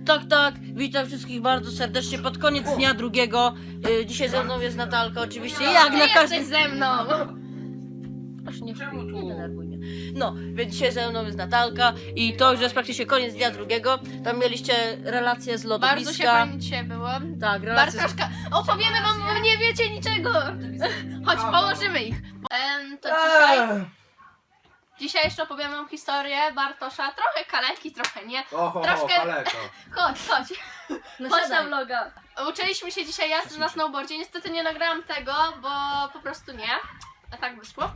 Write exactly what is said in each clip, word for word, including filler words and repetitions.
tak, tak, witam wszystkich bardzo serdecznie pod koniec dnia drugiego. Y, dzisiaj ze mną jest Natalka, oczywiście, jak Ty na jesteś każdym... ze mną! Aż nie, Czemu tu? nie denerwuj mnie. No, więc dzisiaj ze mną jest Natalka i to już jest praktycznie koniec dnia drugiego. Tam mieliście relacje z Bardzo się lodowiska. fajnie dzisiaj było. Tak, relacje z... Bartoszka, opowiemy wam, bo nie wiecie niczego! Chodź, położymy ich. Em, to dzisiaj, dzisiaj jeszcze opowiemy wam historię Bartosza. Trochę kaleki, trochę nie. Oho, Troszkę- kaleka. Chodź, chodź. No Chodź na siadaj. vloga. Uczyliśmy się dzisiaj jazdy na snowboardzie. Niestety nie nagrałam tego, bo po prostu nie. A tak wyszło.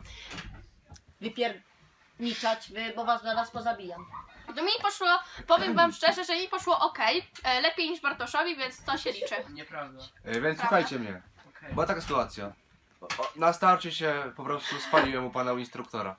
Wypierniczać, wy, bo was zaraz pozabijam. To mi poszło, powiem wam szczerze, że mi poszło ok. Lepiej niż Bartoszowi, więc to się liczy. Nieprawda. E, więc słuchajcie mnie. Była taka sytuacja. O, o, na starcie się po prostu spaliłem u pana instruktora.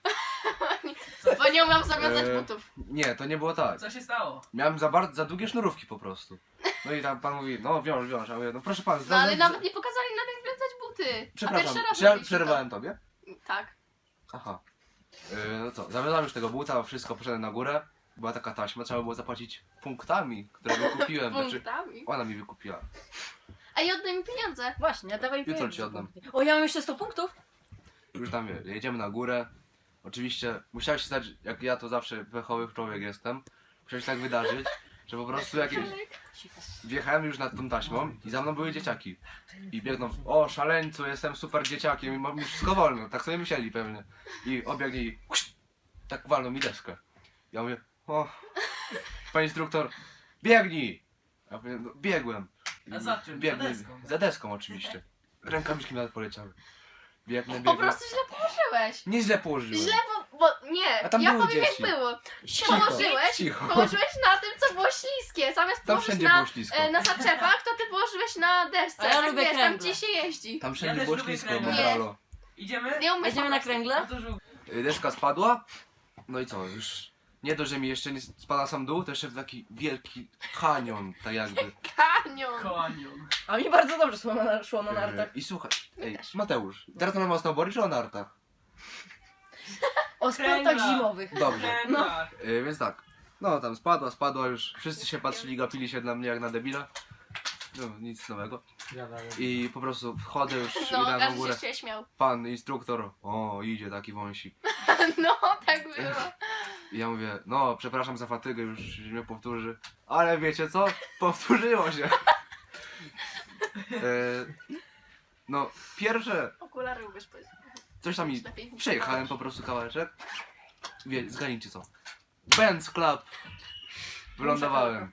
Bo nie umiem zawiązać E, butów. Nie, to nie było tak. Co się stało? Miałem za, bardzo, za długie sznurówki po prostu. No i tam pan mówi, no wiąż, wiąż. A ja mówię, no proszę pana, No ale za- nawet nie pokazali nam jak wiązać buty. A Przepraszam, pierwszy raz czy ja robiliśmy przerwałem tobie? to. Tak. Aha. E, no co, zawiązałem już tego buta, wszystko, poszedłem na górę. Była taka taśma, trzeba było zapłacić punktami, które wykupiłem. Znaczy, Punktami. ona mi wykupiła. A i oddaj mi pieniądze. Właśnie, dawaj Jutro pieniądze. ci oddam. O, ja mam jeszcze sto punktów? Już tam wie, jedziemy na górę. Oczywiście musiało się stać, jak ja to zawsze pechowy człowiek jestem, musiało się tak wydarzyć, że po prostu jakieś... Wjechałem już nad tą taśmą i za mną były dzieciaki. I biegną, o szaleńcu, jestem super dzieciakiem i mam już wszystko wolno, tak sobie myśleli pewnie. I obiegnie i tak walną mi deskę. Ja mówię, o, panie instruktor, biegnij! Ja mówię, no, biegłem. I A za czym? Za Biegnę, deską? za deską oczywiście. Rękawiczki nawet poleciały. Biegnę, Po biegnę. prostu źle położyłeś. Nie źle położyłem. Źle, bo, bo nie, A tam ja były powiem dzieci. jak było. Cicho, Położyłeś, cicho. położyłeś na tym, co było śliskie. Zamiast Tam położyć wszędzie na, było ślisko. e, na zaczepach, to ty położyłeś na desce. A ja tak lubię wiesz, tam kręgle. gdzie się jeździ. Tam Ja wszędzie też było lubię ślisko, kręgle. medralo. Idziemy? Nie umiesz Jedziemy na kręgle? No to żółw. Y, Deska spadła, no i co, już nie dość, że mi jeszcze nie spada sam dół, to jeszcze w taki wielki kanion, tak jakby. Kanion. Konion. A mi bardzo dobrze szło na, szło na Y, nartach. I słuchaj, My ej, też. Mateusz, teraz mamy o snowboardzie czy o nartach? O sportach kręgla. zimowych. Dobrze, No. y, więc tak, no tam spadła, spadła już, wszyscy się patrzyli, gapili się na mnie jak na debila. No, nic nowego. I po prostu wchodzę już No, idę na każdy górę. się ciebie śmiał. Pan instruktor, o idzie taki wąsik. No, tak było. I ja mówię, no przepraszam za fatygę, już się nie powtórzy. Ale wiecie co? Powtórzyło się. e, no, pierwsze, Okulary ubierz powiedz. coś tam mi Lepiej. przejechałem po prostu kawałeczek. Wie, zgadnijcie co? Benz Club. Wylądowałem.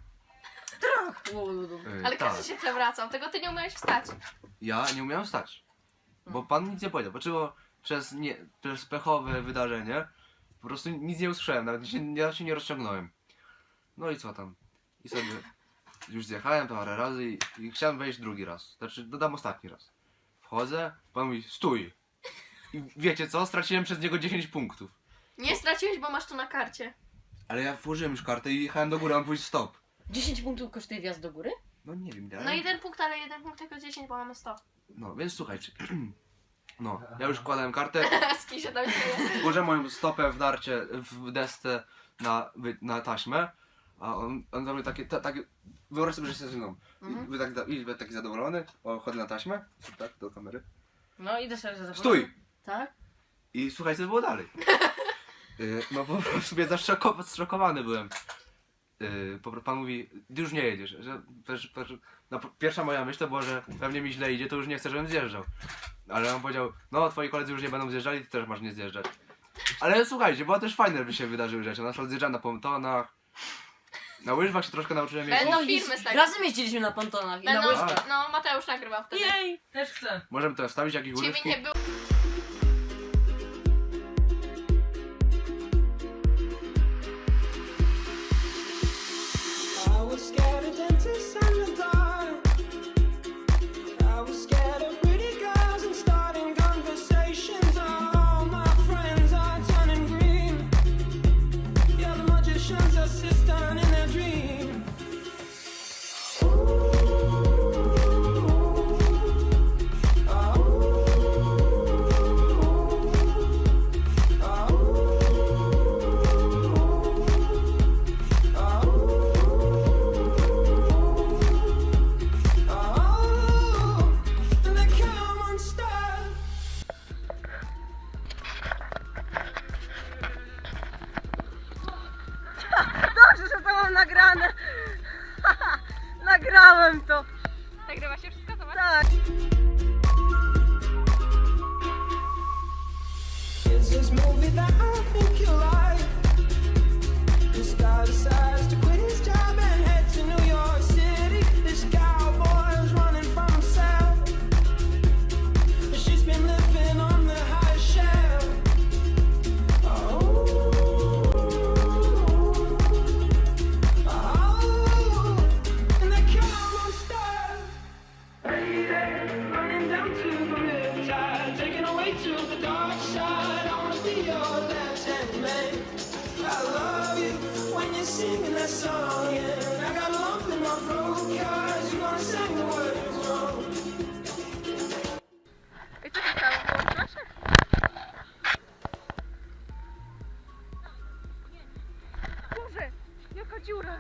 E, Ale tak. każdy się przewracał, tego ty nie umiałeś wstać. Ja nie umiałem stać. Bo pan nic nie powiedział. Bo przez, nie, przez pechowe wydarzenie po prostu nic nie usłyszałem, nawet się, ja się nie rozciągnąłem. No i co tam? I sobie już zjechałem parę razy i, i chciałem wejść drugi raz. Znaczy dodam ostatni raz. Wchodzę, pan mówi stój. I wiecie co? Straciłem przez niego dziesięć punktów. Nie straciłeś, bo masz to na karcie. Ale ja włożyłem już kartę i jechałem do góry, a on pójść stop. dziesięć punktów kosztuje wjazd do góry? No nie wiem, No jeden punkt, ale jeden punkt tylko dziesięć, bo mamy sto. No więc słuchajcie. No, ja już wkładałem kartę. Z kim się tam śmieje? Włożę moją stopę w narcie, w desce na, wy- na taśmę, a on, on robi takie, ta, takie, wyobraź sobie, że jesteś ze mną. Mhm. I, taki, i będę taki zadowolony, o, chodzę na taśmę, tak, do kamery. No idę sobie za Stój! Tak? I słuchaj, co było dalej. Y, no po prostu mnie zaszoko- zszokowany byłem. Y, po, pan mówi, ty już nie jedziesz, że, że, że no, pierwsza moja myśl to była, że pewnie mi źle idzie, to już nie chcę, żebym zjeżdżał. Ale on powiedział, no twoi koledzy już nie będą zjeżdżali, ty też masz nie zjeżdżać. Ale słuchajcie, bo też fajne by się wydarzyły rzeczy, na przykład zjeżdżam na pontonach, na łyżwach się troszkę nauczyłem jeździć. Będą filmy z tego. Razem jeździliśmy na pontonach i na Będą, łyżkach. no Mateusz nagrywał wtedy. Jej! Też chcę. Możemy to wstawić, jakieś Ciebie urywki? nie było. I was scared of dentists and the dark. I was scared of pretty girls and starting conversations. All my friends are turning green. Yeah, the magician's assistant in their dream. Nagrałem to! Nagrywa się wszystko, zobacz. Tak! It's this movie that I think you like. This guy decides to quit his job and head to New York City. This cowboy is running from himself. She's been living on the high shelf. Oh, oh, and they come on stars. Running down to the riptide, taking away to the dark side. I wanna be your left-hand man. I love you when you're singing that song, and I got a lump in my throat 'cause you're gonna sing the words wrong. I co się stało? Było proszę? Boże, jaka dziura!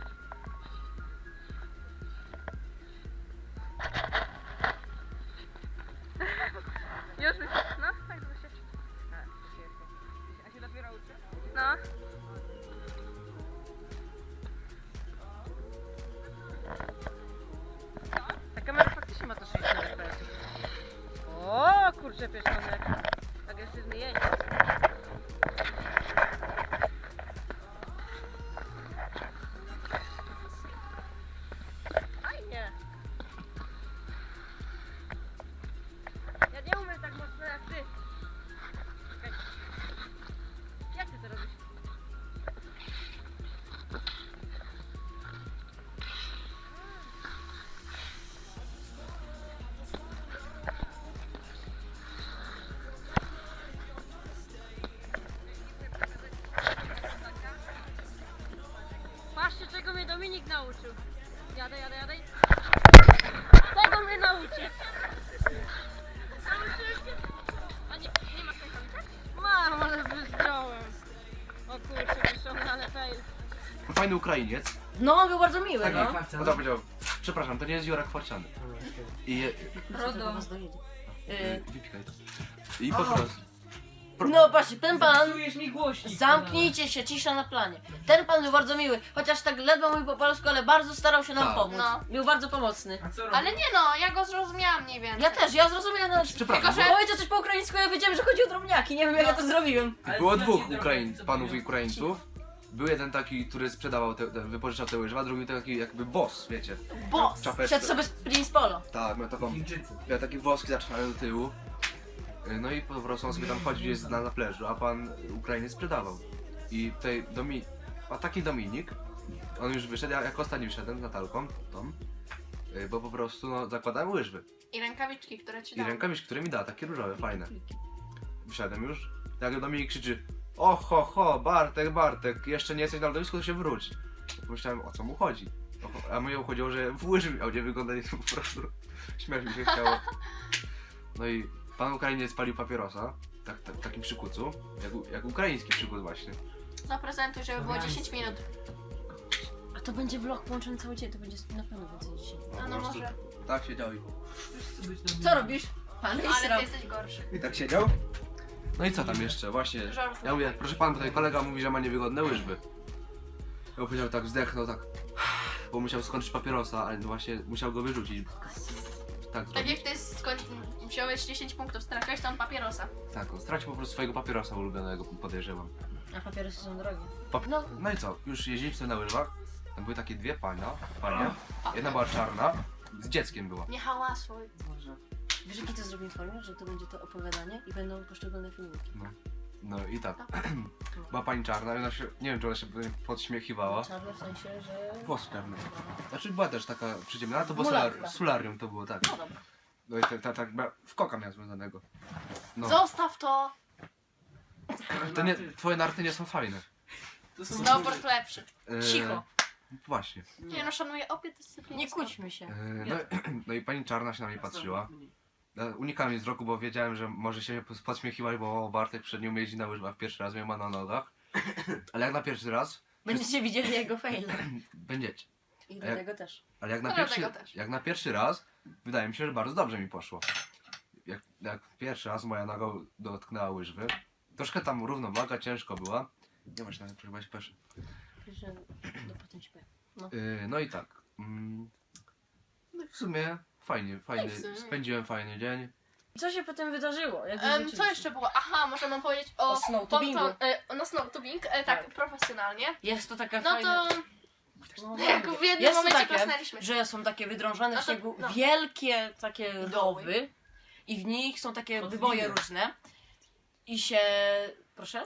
Już mi się, no, tak żeby się... A się dopiero uczy? No. Ta kamera faktycznie ma to sześćdziesiąt F P S. O kurczę pieszczonek. Agresywny jeźdź. Fajnie. Ja nie umiem tak mocno jak ty. Czekaj. Jak ty to robisz? Patrzcie, czego mnie Dominik nauczył. Jadę, jadę, jadę. Tego mnie nauczy. Nauczyłem się. A nie, nie masz rękawiczek? Mam, ale wyzdrołem. O kurczę, wyszony, ale fail. Fajny Ukrainiec. No, on był bardzo miły, Tak, no. no to powiedział, przepraszam, to nie jest Jurek Forciany. I Rodo. y, wypikaj to. I po prostu. No patrzcie, ten pan... Psujesz mi głośnik. Zamknijcie się, cisza na planie. Ten pan był bardzo miły, chociaż tak ledwo mówił po polsku, ale bardzo starał się nam Tak. pomóc. No. Był bardzo pomocny. A co robisz? Ale nie no, ja go zrozumiałam mniej więcej. Ja też, ja zrozumiałem nawet... Przepraszam, Tylko, że- Powiedział coś po ukraińsku, ja wiedziałem, że chodzi o drobniaki, nie wiem jak ja to zrobiłem. Ale było co dwóch ci Ukraiń, zrobił? panów Ukraińców. Był jeden taki, który sprzedawał, te, te, wypożyczał te łyżwy, a drugi taki jakby boss, wiecie. Boss. Czapeczkę. Szedł sobie z Prince Polo. Tak, miał taką, Chińczycy. miał takie włoski zaczynają do tyłu. Y, No i po prostu on sobie tam chodził gdzieś na, na plaży, a pan Ukrainiec sprzedawał. I tutaj Domi... a taki Dominik, on już wyszedł, ja jako ostatni wyszedłem z Natalką, tą, y, bo po prostu no, zakładałem łyżwy. I rękawiczki, które ci I dam. rękawiczki, które mi da, takie różowe, fajne. Wyszedłem już, jak Dominik krzyczy: o ho ho, Bartek, Bartek, jeszcze nie jesteś na lodowisku, to się wróć. Pomyślałem, o co mu chodzi. O, a mnie chodziło, że w łyżwy miał nie wyglądać, po prostu śmiać mi się chciało. No i pan Ukrainiec palił papierosa, tak, tak, w takim przykucu, jak, u- jak ukraiński przykut właśnie. Zaprezentuj, żeby było dziesięć minut. A to będzie vlog połączony cały dzień, to będzie na pewno więcej dzisiaj. A no po prostu może. Tak siedział i... Co robisz? Pan Ale Israel. ty jesteś gorszy. I tak siedział. No i co tam jeszcze? Właśnie, Żarówka. ja mówię, proszę pan, tutaj kolega mówi, że ma niewygodne łyżwy. Ja powiedział tak, wzdechnął tak, bo musiał skończyć papierosa, ale właśnie musiał go wyrzucić. Tak, Tak zrobił. jak ty skończyć, wziąłeś dziesięć punktów, straciłeś tam papierosa. Tak, on stracił po prostu swojego papierosa ulubionego, podejrzewam. A papierosy są drogie. Pap- No. no i co, już jeździliśmy na łyżwach, tam były takie dwie pania, panie, jedna była czarna, z dzieckiem była. Nie hałasuj. Może. Wiesz jaki to zrobimy formie? Że to będzie to opowiadanie i będą poszczególne filmiki. No i tak, była pani czarna i ona się, nie wiem czy ona się podśmiechiwała. Czarne w sensie, że... Włosy czarne. Znaczy była też taka przyciemna, ale to było Mulatka. solar, solarium to było, tak. No dobra. No i tak, tak, tak, w koka miała związanego. No, Zostaw to! to nie, twoje narty nie są fajne. To są Snowboard lepszy. E, Cicho. Właśnie. Nie no, szanuję obie dyscypliny. Nie kłóćmy się. E, no, no i pani czarna się na mnie patrzyła. Ja unikałem jej wzroku, bo wiedziałem, że może się podśmiechiwać, bo Bartek przed nią jeździ na łyżwach pierwszy raz, mnie ma na nogach. Ale jak na pierwszy raz, Będziecie widzieli jego fail. będziecie. I A jak- dlatego też. Ale jak na, No, pierwszy, dlatego też. jak na pierwszy raz, wydaje mi się, że bardzo dobrze mi poszło. Jak, jak pierwszy raz moja noga dotknęła łyżwy, troszkę tam równowaga ciężko była. Nie właśnie, nawet chyba się peszy. Że... No potem ci powiem. No. Yy, no i tak. Mm, no i w sumie fajnie, fajny, w sumie. spędziłem fajny dzień. Co się potem wydarzyło? Jak Em, co wróciliśmy? jeszcze było? Aha, może mam powiedzieć o, O snowtubingu. ponton- e, no snowtubing, e, tak, Tak. profesjonalnie. Jest to taka No fajna... to No, jak w jednym jest to momencie takie, klasnęliśmy. że są takie wydrążone No w to- śniegu no. wielkie takie Doły. rowy i w nich są takie Podwiny. wyboje różne i się... Proszę?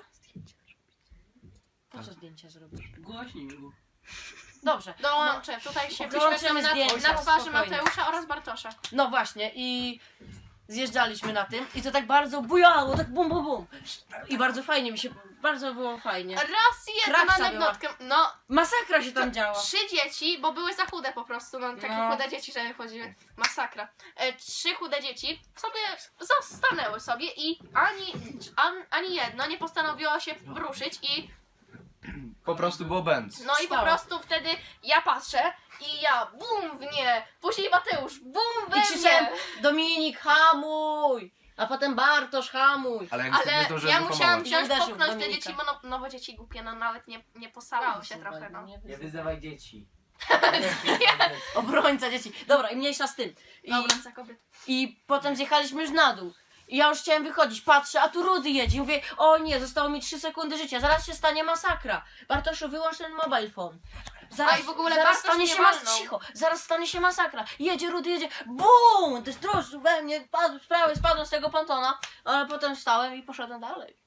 Po co zdjęcia zrobisz? Głośniej mów. Dobrze. Dołączę, tutaj się Dołączymy wyświetlamy na, zdjęcia, na twarzy spokojnie. Mateusza oraz Bartosza. No właśnie i zjeżdżaliśmy na tym i to tak bardzo bujało, tak bum bum bum. I bardzo fajnie mi się, bardzo było fajnie. Raz jedną Kraksa anegdotkę. No, Masakra się tam działa. trzy dzieci, bo były za chude po prostu, no takie No. chude dzieci, żeby chodziły. Masakra. E, trzy chude dzieci sobie zastanęły sobie i ani, an, ani jedno nie postanowiło się ruszyć i Po prostu było bęc. no i po Stało. prostu wtedy ja patrzę i ja bum w nie, później Mateusz bum we I krzyczałem, mnie. Dominik hamuj! A potem Bartosz hamuj! Ale ja niestety nie Ale zdążyłem ja musiałam wyhamować. wziąć, Uderzył w popchnąć te Dominika. dzieci, bo no, no bo dzieci głupie, no nawet nie, nie postarały się trochę, no. Nie Nie wyzywaj. wyzywaj dzieci. Obrońca dzieci. Dobra, i mniejsza z tym. I, Dobra, za kobiet. I potem zjechaliśmy już na dół. I ja już chciałem wychodzić, patrzę, a tu Rudy jedzie. I mówię, o nie, zostało mi trzy sekundy życia, zaraz się stanie masakra. Bartoszu, wyłącz ten mobile phone. Zaraz, A i w ogóle zaraz Bartosz stanie mnie się mas- walnął. cicho, zaraz stanie się masakra. Jedzie Rudy, jedzie, BUM! Też drożdż we mnie, padł z prawej, spadłem z tego pontona, ale potem wstałem i poszedłem dalej.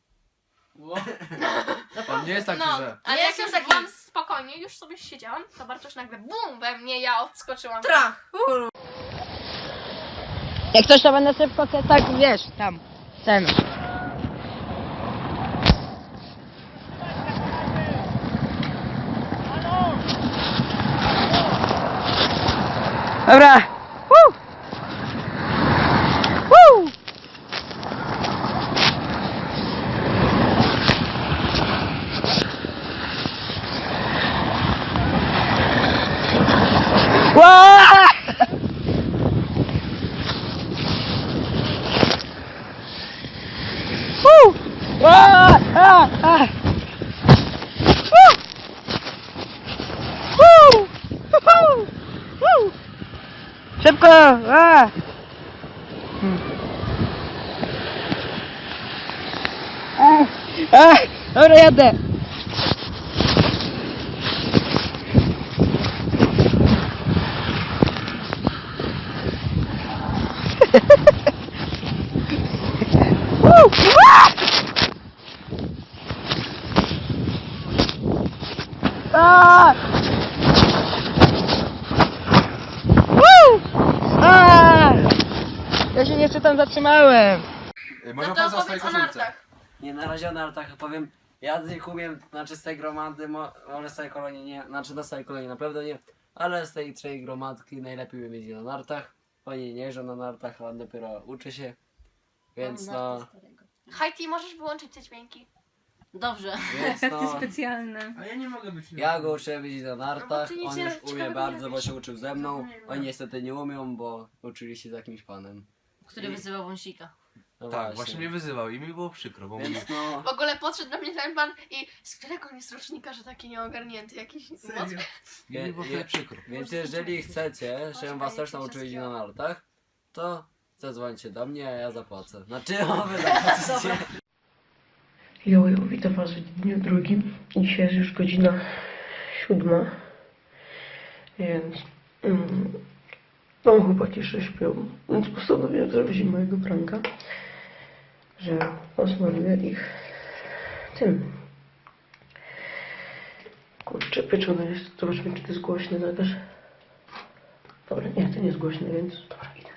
On nie jest taki, No, że... ale Nie jak jestem już taki- byłam spokojnie, już sobie siedziałam, to Bartosz nagle bum we mnie, ja odskoczyłam. Trach! Jak ktoś to będę szybko, to tak wiesz, tam, ten. Dobra. Woo! Woo! Wah! Woo! Ah, ah, ah. Woo! Woo! Woo! Woo! Szybko! Ah. Hmm. Ah, ah, dobra, jadę. Woo! Ah! Ah! Woo! Ah! Ja się jeszcze tam zatrzymałem. Y, Może No pan to za swojej opowiedz o koszulce. nartach. Nie, na razie o nartach powiem. Ja z nich umiem, znaczy z tej gromady, mo, może z tej kolonii nie, znaczy na całej kolonii na pewno nie, ale z tej trzej gromadki najlepiej umiem jeździć na nartach. Oni nie jeżdżą na nartach, a on dopiero uczy się, więc no, Hajti, możesz wyłączyć te dźwięki. Dobrze. więc no, Specjalne. A ja nie mogę być ja go uczyłem jeździć na nartach, ty nic on nie- już ciekawego umie nie bardzo, bo robisz. się uczył ze mną. Oni niestety nie umią, bo uczyli się z jakimś panem. Który wyzywał wąsika. No Tak, właśnie mnie wyzywał i mi było przykro, bo mówił, Więc no, W ogóle podszedł do mnie ten pan i z którego on jest rocznika, że taki nieogarnięty jakiś moc? i mi było Je- wtedy przykro. więc jeżeli chcecie, żebym was też nauczył jeździć na nartach, to zadzwońcie do mnie, a ja zapłacę. Znaczy, o, wy zapłacicie. Jo, jo, witam was w dniu drugim. Dzisiaj jest już godzina siódma, więc mm, no chłopaki jeszcze śpią, więc postanowiłem zrobić im mojego pranka, że osmaruję ich tym. Kurczę, pieczone jest. Zobaczmy, czy to jest głośne na też. Dobra, nie, to nie jest głośne, więc dobra, idę.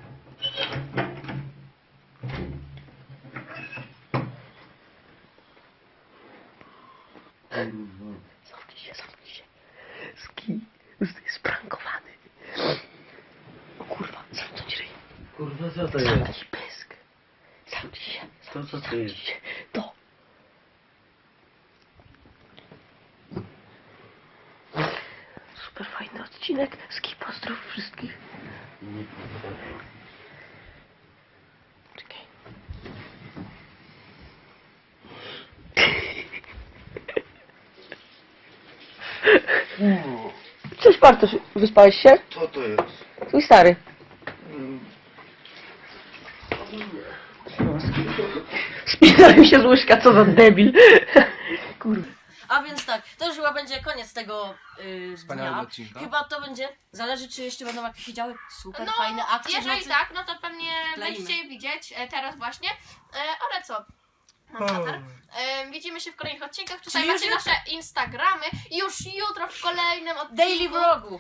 Zamknij się, zamknij się. Ski, już jest sprankowany. O kurwa, zamknąć ryj. Kurwa, co to Zamknij pysk. Zamknij się. To co to Zamknij jest? się. To. Super fajny odcinek. Ski, pozdrów wszystkich. Czekaj. Cześć Bartosz, wyspałeś się? Co to jest? Twój stary. Spisałem się z łyżka, co za debil. Kurwa. A więc tak, to już chyba będzie koniec tego yy, Wspaniałego dnia. odcinka. Chyba to będzie, zależy czy jeszcze będą jakieś się działy super No, fajne akcje w jeżeli nocy. tak, no to pewnie Kleimy. będziecie je widzieć e, teraz właśnie. E, ale co? Mam katar. E, widzimy się w kolejnych odcinkach. Tutaj Czyli już macie nasze Instagramy. Już jutro w kolejnym odcinku. Daily vlogu.